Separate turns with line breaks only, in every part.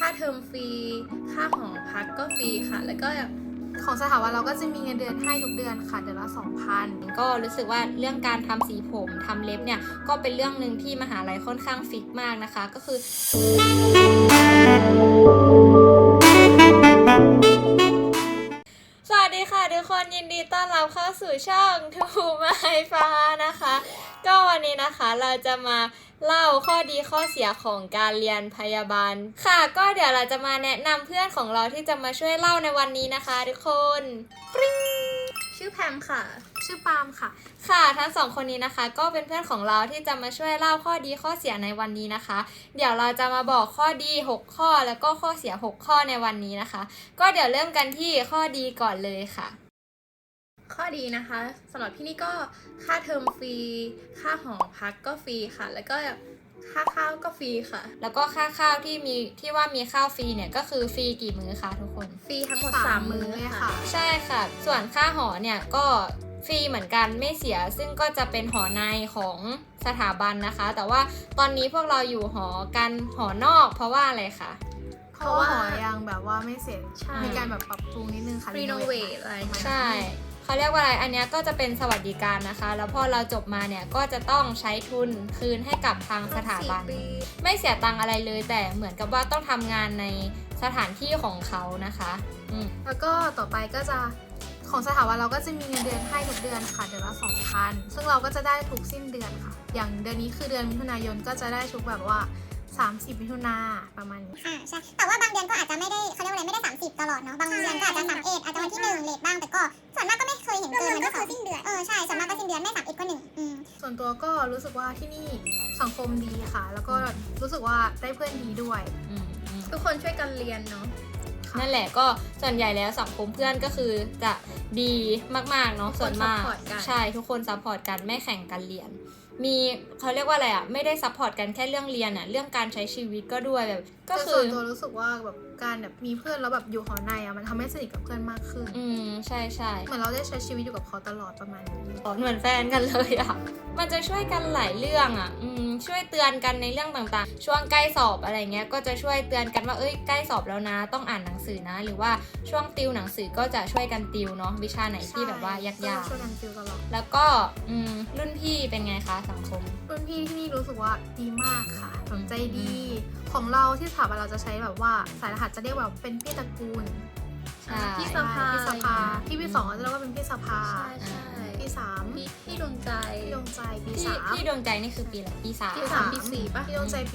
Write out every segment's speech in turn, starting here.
เทอมฟรีค่าหอพักก็ฟรีค่ะแล้วก็
ของสถาบันเราก็จะมีเงินเดือนให้ทุกเดือนค่ะเดือนละ 2,000
ก็รู้สึกว่าเรื่องการทำสีผมทำเล็บเนี่ยก็เป็นเรื่องหนึ่งที่มหาลัยค่อนข้างฟิกมากนะคะก็คือสวัสดีค่ะทุกคนยินดีต้อนรับเข้าสู่ช่องทูไมฟ้านะคะก็วันนี้นะคะเราจะมาเล่าข้อดีข้อเสียของการเรียนพยาบาลค่ะก็เดี๋ยวเราจะมาแนะนำเพื่อนของเราที่จะมาช่วยเล่าในวันนี้นะคะทุกคนปริ้ง
ชื่อแพมค่ะ
ชื่อปาล์มค่ะ
ค่ะทั้งสองคนนี้นะคะก็เป็นเพื่อนของเราที่จะมาช่วยเล่าข้อดีข้อเสียในวันนี้นะคะเดี๋ยวเราจะมาบอกข้อดี6ข้อแล้วก็ข้อเสีย6ข้อในวันนี้นะคะก็เดี๋ยวเริ่มกันที่ข้อดีก่อนเลยค่ะ
ข้อดีนะคะสำหรับพี่นี่ก็ค่าเทอมฟรีค่าหอพักก็ฟรีค่ะแล้วก็ค่าข้าวก็ฟรีค่ะ
แล้วก็ค่าข้าวที่ว่ามีข้าวฟรีเนี่ยก็คือฟรีกี่มื้อคะทุกคน
ฟรีทั้งหมด3 มื้อเลยค่ะ
ใช่ค่ะส่วนค่าหอเนี่ยก็ฟรีเหมือนกันไม่เสียซึ่งก็จะเป็นหอในของสถาบันนะคะแต่ว่าตอนนี้พวกเราอยู่หอกันหอนอกเพราะว่าอะไรคะ
เพราะว่าหอยังแบบว่าไม่เสร็จมีการแบบปรับปรุงนิดนึงค่ะ
รีโนเวทอะไร
ใช่เขาเรียกว่าอะไรอันนี้ก็จะเป็นสวัสดิการนะคะแล้วพอเราจบมาเนี่ยก็จะต้องใช้ทุนคืนให้กับทางสถาบันไม่เสียตังค์อะไรเลยแต่เหมือนกับว่าต้องทำงานในสถานที่ของเขานะคะ
แล้วก็ต่อไปก็จะของสถาบันเราก็จะมีเงินเดือนให้ทุกเดือนค่ะเดือนละ 2,000 ซึ่งเราก็จะได้ทุกสิ้นเดือนค่ะอย่างเดือนนี้คือเดือนมิถุนายนก็จะได้ทุกแบบว่า30 มิถุนาประมาณนี้
ใช่แต่ว่าบางเดือนก็อาจจะไม่ได้เขาเรียกว่าอะไรไม่ได้30ตลอดเนาะบางเดือนก็อาจจะ31อาจจะวันที่1เลทบ้างแต่ก็ส่วนมากก็ไม่เคยเห็นเกินมันก็คือสิ้นเดือนใช่ส่วนมากก็สิ้นเดือนไม่31ก็1
ส่วนตัวก็รู้สึกว่าที่นี่สังคมดีค่ะแล้วก็รู้สึกว่าได้เพื่อนดีด้วย
ทุกคนช่วยกันเรียนเนาะ
นั่นแหละก็ส่วนใหญ่แล้วสังคมเพื่อนก็คือจะดีมากๆเนาะส่วนมากใช่ทุกคนซัพพอร์ตกันไม่แข่งกันเรียนมีเขาเรียกว่าอะไรอ่ะไม่ได้ซัพพอร์ตกันแค่เรื่องเรียนอ่ะเรื่องการใช้ชีวิตก็ด้วยแบบก็คือ
ส่วนตัวรู้สึกว่าแบบการแบบมีเพื่อนแล้วแบบอยู่หอในอ่ะมันทำให้สนิทกับเพื่อนมากขึ้น
ใช่ใช่
เหมือนเราได้ใช้ชีวิตอยู่กับเขาตลอดประมาณนี้
เหมือนแฟนกันเลยอ่ะมันจะช่วยกันหลายเรื่องอ่ะช่วยเตือนกันในเรื่องต่างๆช่วงใกล้สอบอะไรเงี้ยก็จะช่วยเตือนกันว่าใกล้สอบแล้วนะต้องอ่านหนังสือนะหรือว่าช่วงติวหนังสือก็จะช่วยกันติวเนาะวิชาไหนที่แบบว่ายาก
ๆช่วยกันติวตลอด
แล้วก็รุ่นพี่เป็นไงคะสังคม
รุ่นพี่ที่นี่รู้สึกว่าดีมากค่ะสนใจดีของเราที่สถาบันเราจะใช้แบบว่าสายรหัสจะเรียกว่าเป็นพี่ตระกูล
พี่สภา
พี่ปี 2จะเรียกว่าเป็นพี่สภาปี 3
พี่ดวงใจ
ปี 3
พี่ดวงใจนี่คือปีอะไรปี 3
ปี 4ป่ะ
พี่ดวงใจปี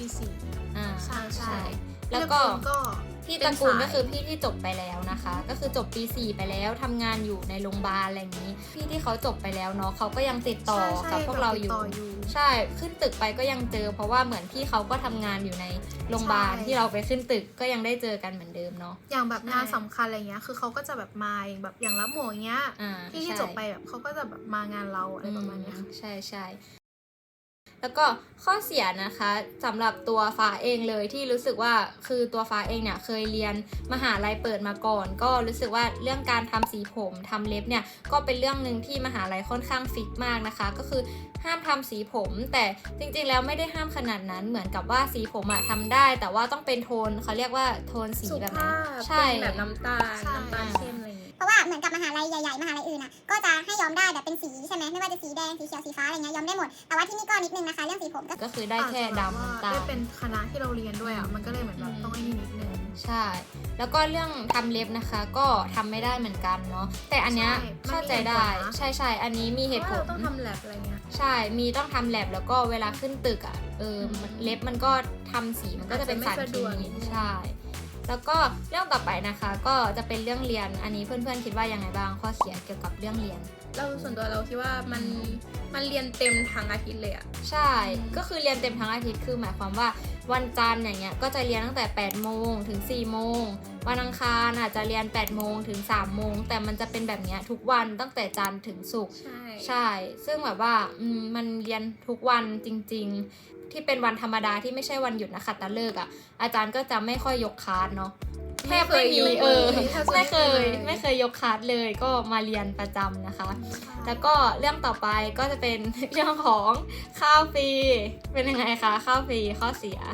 4ใช่
แล้วก็พี่ตระกูลก็คือพี่ที่จบไปแล้วนะคะก็คือจบปี 4ไปแล้วทำงานอยู่ในโรงพยาบาลอะไรอย่างนี้พี่ที่เขาจบไปแล้วเนาะเขาก็ยังติดต่อกับพวกเราอยู่ใช่ขึ้นตึกไปก็ยังเจอเพราะว่าเหมือนพี่เขาก็ทำงานอยู่ในโรงพยาบาลที่เราไปขึ้นตึกก็ยังได้เจอกันเหมือนเดิมเนาะ
อย่างแบบงานสำคัญอะไรเงี้ยคือเขาก็จะแบบมาแบบอย่างรับหมวกเงี้ยที่จบไปแบบเขาก็จะแบบมางานเราอะไรประมาณนี้
ใช่แล้วก็ข้อเสียนะคะสำหรับตัวฟ้าเองเลยที่รู้สึกว่าคือตัวฟ้าเองเนี่ยเคยเรียนมหาลัยเปิดมาก่อนก็รู้สึกว่าเรื่องการทำสีผมทำเล็บเนี่ยก็เป็นเรื่องหนึ่งที่มหาลัยค่อนข้างฟิกมากนะคะก็คือห้ามทำสีผมแต่จริงๆแล้วไม่ได้ห้ามขนาดนั้นเหมือนกับว่าสีผมอะทำได้แต่ว่าต้องเป็นโทนเขาเรียกว่าโทนสีแบบนั้น
ใช่แบบน้ำตาลเข้มอะไรอย่างงี้
เพราะว่าเหมือนกับมหาลัยใหญ่ๆมหาลัยอื่นอ่ะก็จะให้ย้อมได้แบบเป็นสีใช่ไหมไม่ว่าจะสีแดงสีเขียวสีฟ้าอะไรเงี้ยย้อมได้หมดแต่ว่าที่นี่ก็นิดนึงนะคะเรื่องสีผม
ก็คือได้แค่ดำน้ำตาล
ได้เป็นคณะที่เราเรียนด้วยอ่ะมันก็เลยเหมือนแบบต้องไอ้นี่นิดนึง
ใช่แล้วก็เรื่องทำเล็บนะคะก็ทำไม่ได้เหมือนกันเนาะแต่อันเนี้ยเข้าใจได้ใช่อันนี้มีเหตุผล
ต้องทำแลบอะไรเงี้ย
ใช่มีต้องทำแลบแล้วก็เวลาขึ้นตึกอ่ะเล็บมันก็ทำสีมันก็จะเป็นสารเคมีใช่แล้วก็เรื่องต่อไปนะคะก็จะเป็นเรื่องเรียนอันนี้เพื่อนๆคิดว่ายังไงบ้างข้อเสียเกี่ยวกับเรื่องเรียน
เราส่วนตัวเราคิดว่ามันเรียนเต็มทั้งอาทิตย์เลยอะ
ใช่ก็คือเรียนเต็มทั้งอาทิตย์คือหมายความว่าวันจันทร์อย่างเงี้ยก็จะเรียนตั้งแต่8 โมงถึง4 โมงวันอังคารอาจจะเรียน8 โมงถึง3 โมงแต่มันจะเป็นแบบเนี้ยทุกวันตั้งแต่จันทร์ถึงศุกร์ใช่ซึ่งแบบว่ามันเรียนทุกวันจริงๆที่เป็นวันธรรมดาที่ไม่ใช่วันหยุดนะคะตะเลิกอ่ะอาจารย์ก็จะไม่ค่อยยกคลาสเนาะแทบไม่มีไม่เคยยกคลาสเลยก็มาเรียนประจำนะคะแล้วก็เรื่องต่อไปก็จะเป็นเรื่องของข้าวฟรีเป็นยังไงคะข้าวฟรีข้อเสีย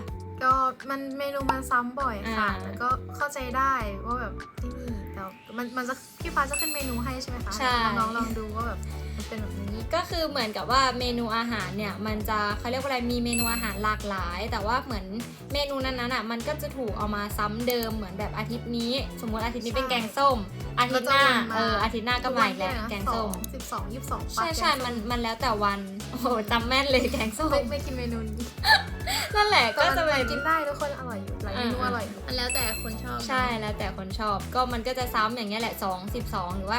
ก็มันเมนูมันซ้ำบ่อยค่ะ
อ่า
แล้วก็เข้าใจได้ว่าแบบที่นี่แต่มันจะพี่ฟ้าจะขึ้นเมนูให้ใช่ไหมคะ
ใช่
น้องๆลองดูว่าแบบมันเป็นแบบนี้
ก็คือเหมือนกับว่าเมนูอาหารเนี่ยมันจะเขาเรียกว่าอะไรมีเมนูอาหารหลากหลาย แต่ว่าเหมือนเมนูนั้นๆอ่ะมันก็จะถูกเอามาซ้ำเดิมเหมือนแบบอาทิตย์นี้ สมมติอาทิตย์นี้เป็นแกงส้ม อาทิตย์หน้าอาทิตย์หน้าก็มาอีกแล้วแกงส้ม
12 22
ใช่มันแล้วแต่วันโอ้โหจำแม่นเลยแกงส้ม
ไม่กินเมนูนี้
นั่นแหละก็จะเป็น
กินได้ทุกคนอร่อยอยู่หลายเมนูอร่อยอยู่
มันแล้วแต่คนชอบ
ใช่แล้วแต่คนชอบก็มันก็จะซ้ำอย่างเงี้ยแหละ2 12หรือว่า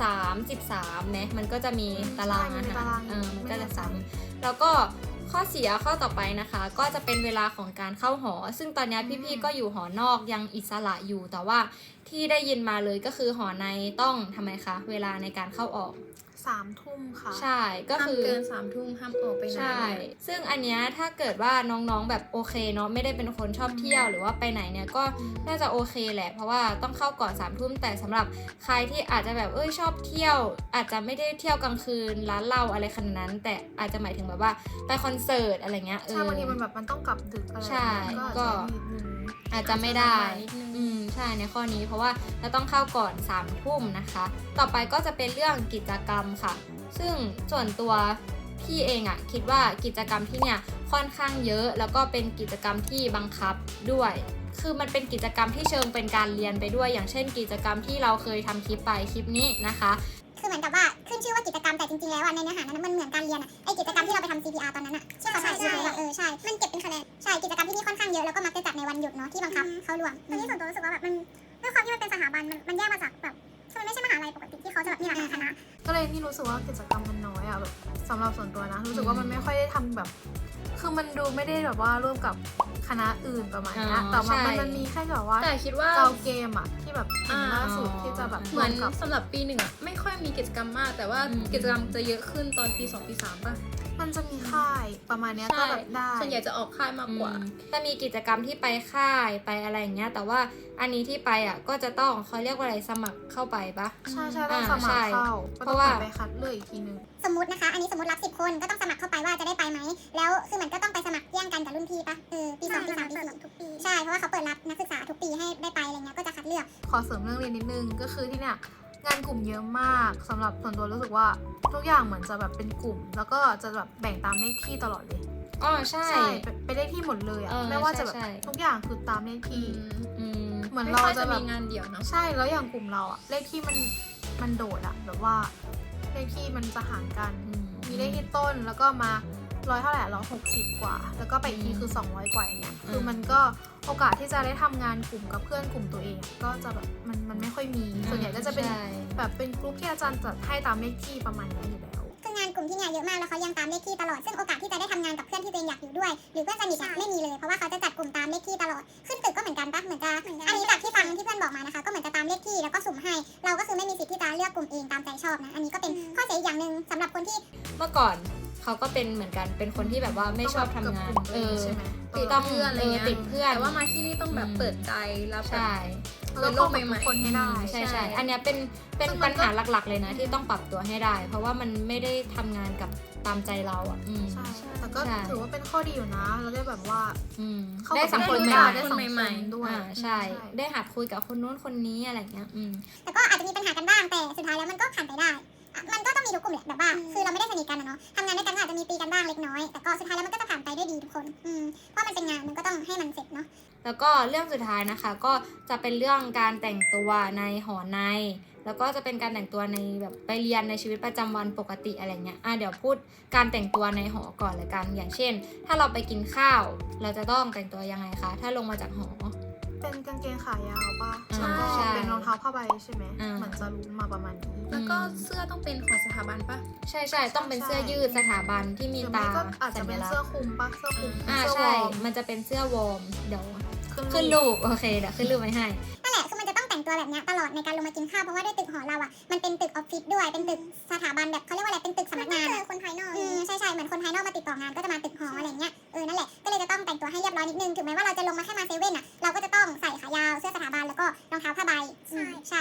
3 13ไหมมันก็จะมีตารางอาหารมันก็จะซ้ำแล้วก็ข้อเสียข้อต่อไปนะคะ ก็จะเป็นเวลาของการเข้าหอ ซึ่งตอนนี้พี่ๆก็อยู่หอนอกยังอิสระอยู่แต่ว่าที่ได้ยินมาเลยก็คือหอในต้องทำไมคะเวลาในการเข้าออก
3 ทุ่มค่ะ
ใช่ก็คือ
ห้ามเกิน3 ทุ่มห้ามออกไปไหน
ใช่ ซึ่งอันเนี้ยถ้าเกิดว่าน้องๆแบบโอเคเนาะไม่ได้เป็นคนชอบเที่ยวหรือว่าไปไหนเนี่ยก็น่าจะโอเคแหละ เพราะว่าต้องเข้าก่อน3 ทุ่มแต่สำหรับใครที่อาจจะแบบชอบเที่ยว อาจจะไม่ได้เที่ยวกลางคืนร้านเหล้าอะไรขนาดนั้น แต่อาจจะหมายถึงแบบว่าไปคอนเสิร์ตอะไรเงี้ย
ใช่บางทีมันแบบมันต้องกลับดึกอะไร
ใช่
ก็
อาจจะไม่ได้
นิดนึง
ใช่ในข้อนี้เพราะว่าเราต้องเข้าก่อน3 ทุ่มนะคะ ต่อไปก็จะเป็นเรื่องกิจกรรมค่ะ ซึ่งส่วนตัวพี่เองอะคิดว่ากิจกรรมที่เนี่ยค่อนข้างเยอะแล้วก็เป็นกิจกรรมที่บังคับด้วย คือมันเป็นกิจกรรมที่เชิงเป็นการเรียนไปด้วย อย่างเช่น กิจกรรมที่เราเคยทำคลิปไปคลิปนี้นะคะ
คือเหมือนกับว่าขึ้นชื่อว่ากิจกรรมแต่จริงๆแล้วในเนื้อหานั้นมันเหมือนการเรียนไอกิจกรรมที่เราไปทำ CPR ตอนนั้นที่เขาใช่ใช่มันเก็บเป็นคะแนนใช่กิจกรรมที่นี่ค่อนข้างเยอะแล้วก็มักจะจัดในวันหยุดเนาะที่บังคับเข้าร่วมตอนนี้ส่วนตัวรู้สึกว่าแบบมันด้วยความที่มันเป็นสถาบันมันแยกมาจากแบบคือมันไม่ใช่มหาลัยปกติที่เขาจะแบบมีหลากหลายคณะ
ก็เลยที่รู้สึกว่ากิจกรรมมันน้อยอะแบบสำหรับส่วนตัวนะรู้สึกว่ามันไม่ค่อยได้ทำแบบ คือมันดูไม่ได้แบบว่าร่วมกับคณะอื่นประมาณนี้แต่ว่ามันมีแค่แบบว่า
แต่คิดว่า
เกาเกมอะที่แบบเห็นล่าสุดที่จะแบบ
เหมือน
กับ
สำหรับปี 1อะไม่ค่อยมีกิจกรรมมาก แต่ว่ากิจกรรมจะเยอะขึ้นตอนปี 2 ปี 3 ป่ะ
มันจะมีค่ายประมาณเนี้ยก็แบบได้
ส่วนใหญ่จะออกค่ายมากกว่า
จะมีกิจกรรมที่ไปค่ายไปอะไรอย่างเงี้ยแต่ว่าอันนี้ที่ไปอ่ะก็จะต้องเขาเรียกว่าอะไรสมัครเข้าไปปะ
ใช่ต้องสมัครเข้าก็
เพ
ต้อง
ราะว่า
ไปคัดเลือกอีกทีนึง
สมมตินะคะอันนี้สมมติรับ10 คนก็ต้องสมัครเข้าไปว่าจะได้ไปไหมแล้วคือมันก็ต้องไปสมัครแย่งกันกับรุ่นพี่ปะปี2ปี3ปี4ทุกปีใช่เพราะว่าเขาเปิดรับนักศึกษาทุกปีให้ได้ไปอะไรเงี้ยก็จะคัดเลือก
ขอเสริมเรื่องเรียนนิดนึงก็คือที่เนี่ยงานกลุ่มเยอะมากสำหรับส่วนตัวรู้สึกว่าทุกอย่างเหมือนจะแบบเป็นกลุ่ม แล้วก็จะแบบแบ่งตามเลขที่ตลอดเลย
อ๋อใช่
เป็นเลขที่หมดเลยอะ
เออ
ไม่ว่าจะแบบ
ใช่
ทุกอย่างคือตามเลขที่
อืม
เหมือน
ไม่
เรา
ค่อย
จะ
จะ
แบ
มี
บ
งานเดี่ยวเนาะ
ใช่แล้วอย่างกลุ่มเราอะเลขที่มันโดดอะแบบว่าเลขที่มันจะห่างกัน มีเลขที่ต้นแล้วก็มา100เท่าไหร่160 กว่า แล้วก็ไปอีกทีคือ200 กว่าอย่างเงี้ยคือมันก็โอกาสที่จะได้ทำงานกลุ่มกับเพื่อนกลุ่มตัวเองอะก็จะแบบมันไม่ค่อยมีส่วนใหญ่ก็จะเป็น
ใช่
แบบเป็นกลุ่มที่อาจารย์จัดให้ตามเลขที่ประมาณนี้อยู่แล้ว
คืองานกลุ่มที่เนี่ยเยอะมากแล้วเขายังตามเลขที่ตลอดซึ่งโอกาสที่จะได้ทำงานกับเพื่อนที่ตัวเองอยากอยู่ด้วยหรือเพื่อนสนิทอะไม่มีเลยเพราะว่าเขาจะจัดกลุ่มตามเลขที่ตลอดขึ้นตึกก็เหมือนกันปะเหมือนจะอันนี้จากที่ฟังที่เพื่อนบอกมานะคะก็เหมือนจะตามเลขที่แล้วก็สุ่มให้เราก็คือไม่มีสิทธิ์ที่จะเลือกกลุ่มเองตามใจชอบนะอันนี้ก็เป็นข้อเสียอีกอย่างหนึ่งสำหรับคนที่
เมื่อก่อนเขาก็เป็นเหมือนกันเป็นคนที่แบบว่าไม่ชอบทำงาน
ใช่ไหม
ติด
ต้อง
เพื่อนอะไรเงี้ย
ติดเพื่อน
แต่ว่ามาที่นี่ต้องแบบเปิดใจรับแบบ
ใช่
แล้ว
โล
ก็
ก
ให
ใหม่
ม่
ๆ
คนให้ได้
ใช่
ใช่
ใช่อันเนี้ยเป็น
ซึ่งมั
ปั
น
ญ
ก็
หาหลักๆเลยนะที่ต้องปรับตัวให้ได้ เพราะว่ามันไม่ได้ทำงานกับตามใจเราอ่ะ
ใช่แต่ก็
ใช่
ถือว่าเป็นข้อดีอยู่นะแล้วได้แบบว่า เข้า
ได้
กับ
สังคม
ได้
ใหม่
ได้
ๆ
สังคมด้วย
ใช่ ได้หัดคุยกับคนนู้นคนนี้อะไรเงี้ย
แต่ก็อาจจะมีปัญหากันบ้างแต่สุดท้ายแล้วมันก็ผ่านไปได้อะมันก็ต้องมีทุกกลุ่มแหละแบบว่าคือเราไม่ได้สนิทกันนะเนาะทำงานด้วยกันก็อาจจะมีตีกันบ้างเล็กน้อยแต่ก็สุดท้ายแล้วมันก็จะผ่านไปด้วยดีทุกคนเพราะมันเป็นงานมันก็ต้องให้มันเสร็จเนาะ
แล้วก็เรื่องสุดท้ายนะคะก็จะเป็นเรื่องการแต่งตัวในหอใน แล้วก็จะเป็นการแต่งตัวในแบบไปเรียนในชีวิตประจำวันปกติอะไรเงี้ยเดี๋ยวพูดการแต่งตัวในหอก่อนเลยกัน อย่างเช่น ถ้าเราไปกินข้าว เราจะต้องแต่งตัวยังไงคะ ถ้าลงมาจากหอ
เป็นกางเกงขายาวป่ะ
ใช่
แล้วก็เป็นรองเท้าผ้าใบใช่ไหม
อ่า
เหมือนจะรู้มาประมาณนี้
แล้วก็เสื้อต้องเป็นของสถาบันป่ะ
ใช่ต้องเป็นเสื้อยืดสถาบันที่มี
หรือ
ตา
ไม่ก็อาจจะเป็นเสื้อคลุมป่ะเสื้อคลุมเสื้อว
ใช่
อร์ม
มันจะเป็นเสื้อวอร์มเดี๋ยว
ขึ้
ขึ้
น
น
รูป
รูปโอเคเดี๋ยวขึ้นรูปไว้ให้
นั่นแหละคือมันจะต้องแต่งตัวแบบเนี้ยตลอดในการลงมากินข้าวเพราะว่าด้วยตึกหอเราอ่ะมันเป็นตึกออฟฟิศด้วยเป็นตึกสถาบันแบบเขาเรียกว่าอะไรเป็นตึกสำนักงานคนภายนอกใช่เหมือนคนภายนอกมาติดต่องานก็จะมาตึกหออะไรเงี้ยนั่นแหละก็เลยจะต้องแต่งตัวให้เรียบร้อยนิดนึงถึงแม้ว่าเราจะลงมาแค่มาเซเว่นอ่ะเราก็จะต้องใส่ขายาวเสื้อสถาบันแล้วก็รองเท้าผ้าใบใช่
แต่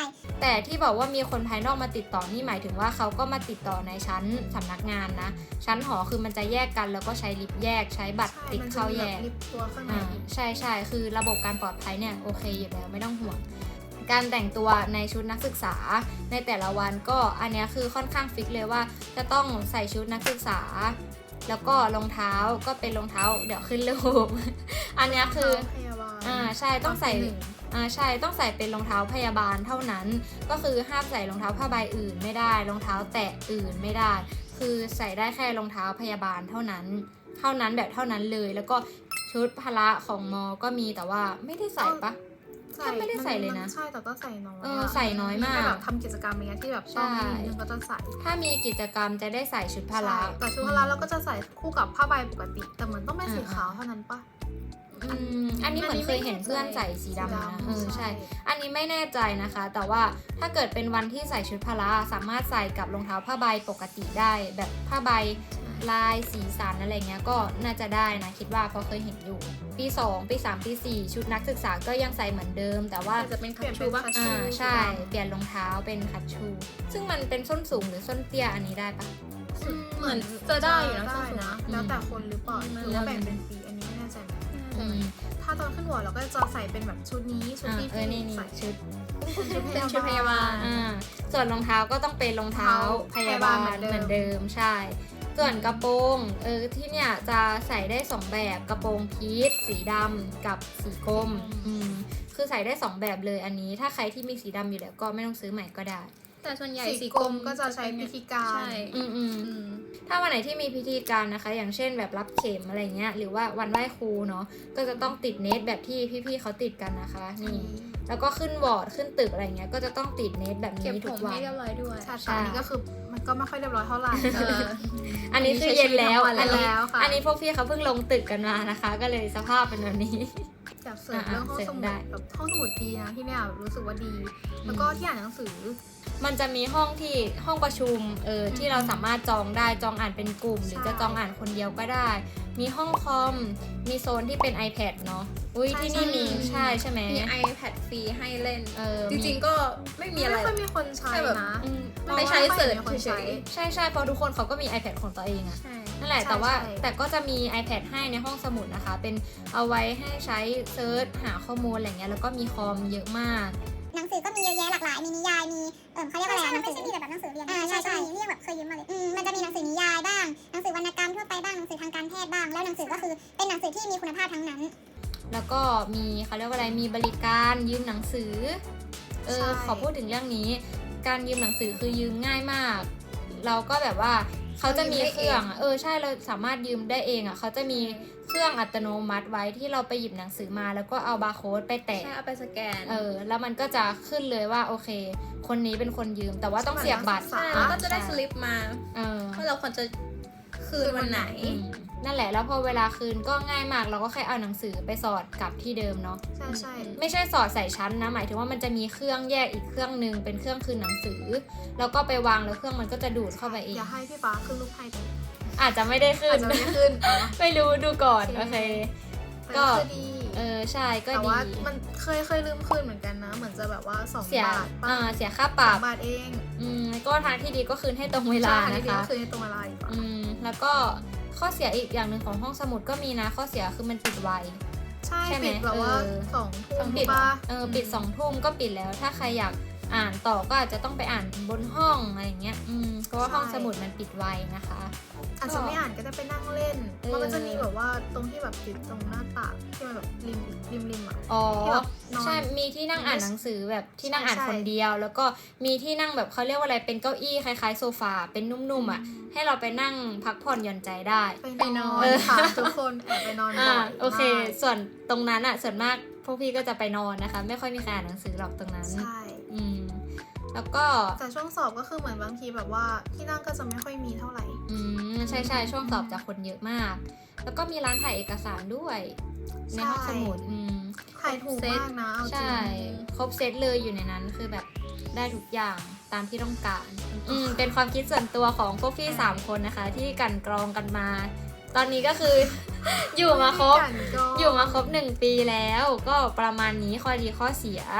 แต่ที่บอกว่ามีคนภายนอกมาติดต่อนี่หมายถึงว่าเขาก็มาติดต่อในชั้นสำนักงานนะชั้นหอคือมันจะแยกกันแล้วก็ใช้ลิฟต์แยกใช้บัตรติดเข้าแยก
ลิฟต์ตัวข้างใน
ใช่คือระบบการปลอดภัยเนี่ยโอเคอยู่แล้วไม่ต้องห่วงการแต่งตัวในชุดนักศึกษาในแต่ละวันก็อันเนี้ยคือค่อนข้างฟิกเลยว่าจะต้องใส่ชุดนักศึกษาแล้วก็รองเท้าก็เป็นรองเท้าเดี๋ยวขึ้นรูป อันเนี้ยคือใช่ต้องใส่ใช่ต้องใส่เป็นรองเท้าพยาบาลเท่านั้นก็คือห้ามใส่รองเท้าผ้าใบอื่นไม่ได้รองเท้าแตะอื่นไม่ได้คือใส่ได้แค่รองเท้าพยาบาลเท่านั้นแบบเท่านั้นเลยแล้วก็ชุดพละของมอก็มีแต่ว่าไม่ได้ใส่ปะถ้าไม่ได้ใส่เลยนะ
ใช่แต่ก็ใส่น้อย
ใส่น้อยมาก
แบบทำกิจกรรมอะไรที่แบบต้องมีนึงก็จะใส่
ถ้ามีกิจกรรมจะได้ใส่ชุดพละ
แต่ชุดพละเราก็จะใส่คู่กับผ้าใบปกติแต่เหมือนต้องเป็นสีขาวเท่านั้นปะ
อันนี้เหมือนเคยเห็นเพื่อนใส่สีดำนะใช่อันนี้ไม่แน่ใจนะคะแต่ว่าถ้าเกิดเป็นวันที่ใส่ชุดพละสามารถใส่กับรองเท้าผ้าใบปกติได้แบบผ้าใบลายสีสันอะไรเงี้ยก็น่าจะได้นะคิดว่าเพราะเคยเห็นอยู่ปี2ปี3ปี4ชุดนักศึกษาก็ยังใส่เหมือนเดิมแต่ว่า
จะเป็นคัตชูป่ะ
ใช่เปลี่ยนรองเท้าเป็นคัตชูซึ่งมันเป็นส้นสูงหรือส้นเตี้ยอันนี้ได้ปะ
เหมือนจะได้อยู่นะส้นสูง
แล้วแต่คนหรือเปล่าหรือว่าแบ่งเป็นปีอันนี้ไม่แน่ใจถ้าตอนขึ้นหัวเราก็จะใส่เป็นแบบชุดนี้ชุดที่
ใส่ชุด
เป็นชุดพยาบาล
ส่วนรองเท้าก็ต้องเป็นรองเท้าพยาบาลเหมือนเดิมใช่ส่วนกระโปรงที่เนี่ยจะใส่ได้2แบบกระโปรงพีชสีดำกับสีกรมคือใส่ได้2แบบเลยอันนี้ถ้าใครที่มีสีดำอยู่แล้วก็ไม่ต้องซื้อใหม่ก็ได้
แต่ส่วนใหญ่
สีกรมก็จะใช้พิธีการ
ถ้าวันไหนที่มีพิธีการนะคะอย่างเช่นแบบรับเข็มอะไรเงี้ยหรือว่าวันไหว้ครูเนาะก็จะต้องติดเนตแบบที่พี่ๆเขาติดกันนะคะนี่แล้วก็ขึ้นวอร์ดขึ้นตึกอะไรเงี้ยก็จะต้องติดเนตแบบนี้ทุกวัน
เก็บผมให้เรียบร้อยด้วย
ใช่อันนี้ก็คือมันก็ไม่ค่อยเรียบร้อยเท่าไหร่
อันนี้คือเย็นแล้วอันนี้พวกพี่เขาเพิ่งลงตึกกันมานะคะก็เลยสภาพเป็นแบบนี้
อยากเสริมเรื่องห้องสมุดแบบห้องสมุดดีนะที่เนี่ยรู้สึกว่าดีแล้วก็ที่อ่านหนังสือ
มันจะมีห้องประชุมที่เราสามารถจองได้จองอ่านเป็นกลุ่มหรือจะจองอ่านคนเดียวก็ได้มีห้องคอมมีโซนที่เป็น iPad เนาะที่นี่มีใช่ไหม
มี iPad ฟรีให้เล่นจริงๆก็ไม่มีอะไร
ไม่ค่อยมีคนใช้นะ
ไม่ใช้เสิร์ชเฉย
ๆใช่เพราะทุกคนเขาก็มี iPad ของตัวเองอะนั่นแหละแต่ก็จะมี iPad ให้ในห้องสมุดนะคะเป็นเอาไว้ให้ใช้เซิร์ชหาข้อมูลอะไรเงี้ยแล้วก็มีคอมเยอะมาก
หนังสือก็มีเยอะแยะหลากหลายมีนิยายมีเขาเรียกว่าอะไรไม่ใช่มีแบบหนังสือเรียนใช่เรียกแบบเคยยืมมาเลยมันจะมีหนังสือนิยายบ้างหนังสือวรรณกรรมทั่วไปบ้างหนังสือทางการแพทย์บ้างแล้วหนังสือก็คือเป็นหนังสือที่มีคุณภาพทั้งนั้น
แล้วก็มีเขาเรียกว่าอะไรมีบริการยืมหนังสือขอพูดถึงเรื่องนี้การยืมหนังสือคือยืมง่ายมากเราก็แบบว่าเขาจะมีเครื่องใช่เราสามารถยืมได้เองเขาจะมีเครื่องอัตโนมัติไว้ที่เราไปหยิบหนังสือมาแล้วก็เอาบาร์โค้ดไปแตะ
เอาไปสแกน
แล้วมันก็จะขึ้นเลยว่าโอเคคนนี้เป็นคนยืมแต่ว่าต้องเสียบบัตร
แล้วก็จะได้สลิปมาว่าเราควรจะคืนวันไหน
นั่นแหละแล้วพอเวลาคืนก็ง่ายมากเราก็แค่เอาหนังสือไปสอดกลับที่เดิมเนาะ
ใช่
ไม่ใช่สอดใส่ชั้นนะหมายถึงว่ามันจะมีเครื่องแยกอีกเครื่องนึงเป็นเครื่องคืนหนังสือแล้วก็ไปวางแล้วเครื่องมันก็จะดูดเข้าไปเอง
อย่าให้พี่ฟ้าขึ้นรูปให้
อาจจะไม่ได้ขึ้นไม่รู้ดูก่อนโอเค
ก็ดี
ใช่ก็ดี
แต่ว่ามันเคยลืมคืนเหมือนกันนะเหมือนจะแบบว่า2 บาท
เสียค่าปรับ
2 บาทเอง
ก็ทางที่ดีก็คืนให้ตรงเวลานะคะ
คืนให้ตรงเวลาอีก
แล้วก็ข้อเสียอีกอย่างหนึ่งของห้องสมุดก็มีนะข้อเสียคือมันปิดไว
ใช่ปิดแบบว่า2 ทุ่ม
ปิด2 ทุ่มก็ปิดแล้วถ้าใครอยากอ่านต่อก็อาจจะต้องไปอ่านบนห้องอะไรอย่างเงี้ยเพราะว่าห้องสมุดมันปิดไวนะคะ
อาจจะไม่อ่านก็ได้ไปนั่งเล่นมันจะมีแบบว่าตรงที่แบบติดตรงหน้าต่างที่มันแบบริมอ่ะ
ใช่มีที่นั่งอ่านหนังสือแบบที่นั่งอ่านคนเดียวแล้วก็มีที่นั่งแบบเขาเรียกว่าอะไรเป็นเก้าอี้คล้ายๆโซฟาเป็นนุ่มๆอ่ะให้เราไปนั่งพักผ่อนหย่อนใจได้
ไปนอนค่ะทุกคนไปนอน
โอเคส่วนตรงนั้นอ่ะส่วนมากพวกพี่ก็จะไปนอนนะคะไม่ค่อยมีใครอ่านหนังสือหรอกตรงนั้น
ใช่
แล้วก็
แต่ช่วงสอบก็คือเหมือนบางทีแบบว่าที่นั่งก็จะไม่ค่อยมีเท่าไหร่
ใช่ช่วงสอบจะคนเยอะมากแล้วก็มีร้านถ่ายเอกสารด้วยในห้องสมุด
ถ่ายถูกมากนะ
ใช่ครบเซตเลยอยู่ในนั้นคือแบบได้ทุกอย่างตามที่ต้องการเป็นความคิดส่วนตัวของพวกพี่3 คนนะคะที่กันกรองกันมาตอนนี้ก็คือ อยู่มาครบ1 ปีแล้วก็ประมาณนี้ข้อดีข้อเสีย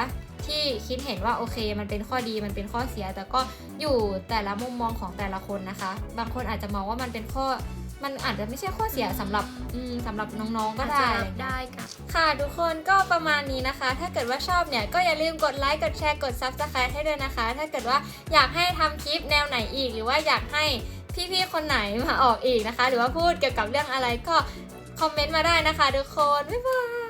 ที่คิดเห็นว่าโอเคมันเป็นข้อดีมันเป็นข้อเสียแต่ก็อยู่แต่ละมุมมองของแต่ละคนนะคะบางคนอาจจะมองว่ามันเป็นข้อมันอาจจะไม่ใช่ข้อเสียสำหรับน้องๆก็ได้
ได้ค่ะ
ค่ะทุกคนก็ประมาณนี้นะคะ ถ้าเกิดว่าชอบเนี่ยก็อย่าลืมกดไลค์กดแชร์กด Subscribe ให้ด้วยนะคะ ถ้าเกิดว่าอยากให้ทำคลิปแนวไหนอีกหรือว่าอยากให้พี่ๆคนไหนมาออกอีกนะคะ หรือว่าพูดเกี่ยวกับเรื่องอะไรก็คอมเมนต์มาได้นะคะทุกคนบ๊ายบาย